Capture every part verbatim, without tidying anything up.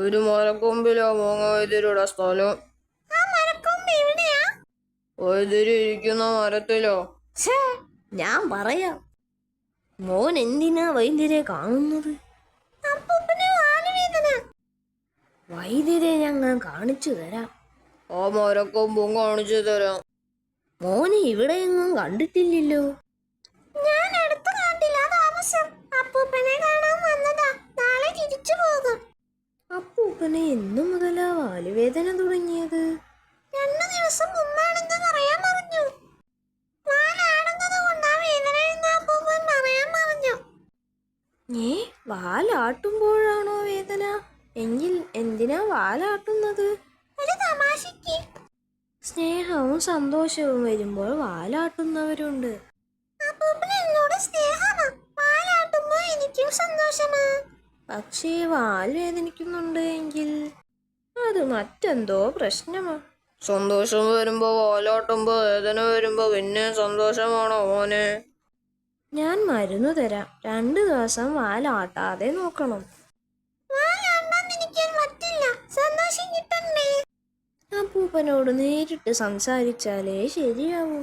ഒരു മരക്കൊമ്പിലാ മോങ്ങ വൈദ്യരുടെ സ്ഥലം. വൈദ്യര് ഇരിക്കുന്ന മരത്തിലോ? ഞാൻ പറയാം. മോൻ എന്തിനാ വൈദ്യരെ കാണുന്നത്? വൈദ്യരെ ഞങ്ങൾ കാണിച്ചു തരാം. ആ മരക്കൊമ്പും കാണിച്ചു തരാം. മോനെ ഇവിടെയെങ്ങും കണ്ടിട്ടില്ലല്ലോ. ഞാൻ അടുത്ത കാട്ടിലാ താമസം. അപ്പൂപ്പനെ കാണാൻ വന്നതാ. നാളെ തിരിച്ചു പോകും. അപ്പൂപ്പനെ എന്നു മുതലാ വാലുവേദന തുടങ്ങിയത്? രണ്ടു ദിവസം മുമ്പാണെന്ന് പറയാൻ പറഞ്ഞു. വാലാടുന്നത് കൊണ്ടാ വേദന എന്ന് അപ്പൂപ്പൻ പറയാൻ പറഞ്ഞു. ഏ വാലാട്ടുമ്പോഴാണോ വേദന? എങ്കിൽ എന്തിനാ വാലാട്ടുന്നത്? ഒരു തമാശക്ക്. സ്നേഹവും സന്തോഷവും വരുമ്പോൾ വാലാട്ടുന്നവരുണ്ട്. അപ്പൂപ്പന് എന്നോട് സ്നേഹമാ. വാലാട്ടുമ്പോ എനിക്കും സന്തോഷമാ. പക്ഷേ വാൽ വേദനിക്കുന്നുണ്ട് എങ്കിൽ അത് മറ്റെന്തോ പ്രശ്നമാ. സന്തോഷം വരുമ്പോ വാലാട്ടുമ്പോ വേദന വരുമ്പോ പിന്നെ സന്തോഷമാണോ മോനെ? ഞാൻ മരുന്ന് തരാം. രണ്ടു ദിവസം വാലാട്ടാതെ നോക്കണം. വാലാട്ടാൻ എനിക്ക് പറ്റില്ല. സന്തോഷം കിട്ടണ്ടേ? അപ്പൂപ്പനോട് നേരിട്ട് സംസാരിച്ചാലേ ശരിയാവൂ.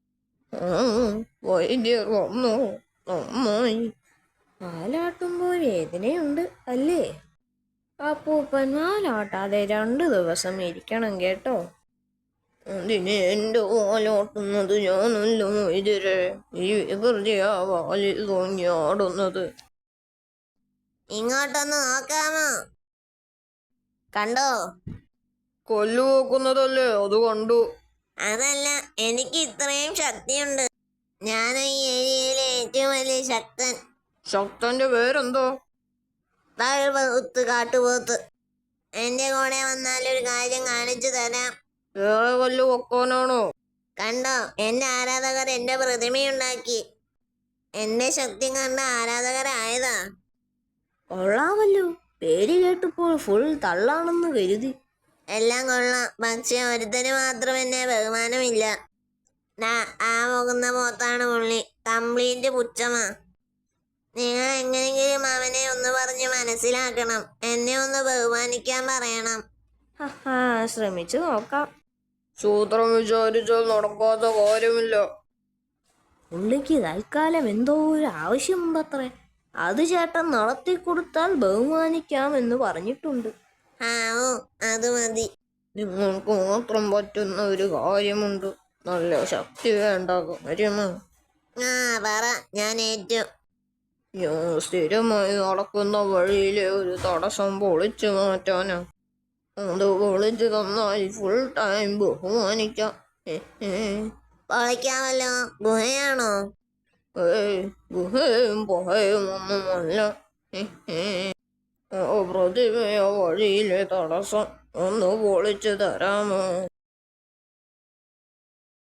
വൈദ്യർ വന്നു. നന്നായി. വാലാട്ടുമ്പോൾ വേദനയുണ്ട് അല്ലേ? അപ്പൂപ്പൻ വാലാട്ടാതെ രണ്ടു ദിവസം ഇരിക്കണം കേട്ടോ. അതിന് എന്റെ വാലാട്ടുന്നത് ഞാനല്ലോ വൈദ്യരെ. ഈ വികൃതിയാ വാലിൽ തോന്നിയാടുന്നത്. ഇങ്ങോട്ടൊന്ന് നോക്കാമോ? കണ്ടോ? കൊല്ലു നോക്കുന്നതല്ലേ, അത് കണ്ടു. അതല്ല, എനിക്ക് ഇത്രയും ശക്തിയുണ്ട്. ഞാൻ ഈ ഏരിയയിലെ ഏറ്റവും വലിയ ശക്തൻ. ശക്തന്റെ പേരെന്തോ? താഴ്പോത്ത് കാട്ടുപോത്ത്. എന്റെ കൂടെ വന്നാൽ ഒരു കാര്യം കാണിച്ചു തരാം. വേറെ കൊല്ലു വെക്കാനാണോ? കണ്ടോ, എന്റെ ആരാധകർ എന്റെ പ്രതിമയുണ്ടാക്കി. എന്റെ ശക്തി കണ്ട ആരാധകരായതാ. കൊള്ളാമല്ലോ. പേര് കേട്ടപ്പോൾ ഫുൾ തള്ളാണെന്ന് കരുതി. എല്ലാം കൊള്ളാം, പക്ഷെ ഒരുത്തന് മാത്രം എന്നെ ബഹുമാനമില്ല. ആ പോകുന്ന പോത്താണ് പുള്ളി. കംപ്ലീറ്റ് പുച്ഛമാ. നിങ്ങൾ എങ്ങനെയെങ്കിലും അവനെ ഒന്ന് പറഞ്ഞ് മനസ്സിലാക്കണം. എന്നെ ഒന്ന് ബഹുമാനിക്കാൻ പറയണം. ഹാ ശ്രമിച്ചു നോക്കാം. സൂത്രം വിചാരിച്ചാൽ നടക്കാത്ത കാര്യമില്ല. പുള്ളിക്ക് തൽക്കാലം എന്തോ ഒരു ആവശ്യമുണ്ടത്രേ. അത് ചേട്ടൻ നടത്തി കൊടുത്താൽ ബഹുമാനിക്കാമെന്ന് പറഞ്ഞിട്ടുണ്ട്. ആ ഓ അത് മതി. നിങ്ങൾക്ക് മാത്രം പറ്റുന്ന ഒരു കാര്യമുണ്ട്. നല്ല ശക്തി വേണ്ട കാര്യമാ. ആ പറ, ഞാൻ ഏറ്റു. ഞാൻ സ്ഥിരമായി നടക്കുന്ന വഴിയിലെ ഒരു തടസ്സം പൊളിച്ചു മാറ്റാനാ. അത് പൊളിച്ചു തന്നാൽ ഫുൾ ടൈം ബഹുമാനിക്കാം. പൊളിക്കാമല്ലോ. ഗുഹയാണോ? ഏയ് ഗുഹയും പുഹയും ഒന്നുമല്ല. പ്രതിമയോ വഴിയിലെ തടസ്സം ഒന്ന് പൊളിച്ചു തരാമോ?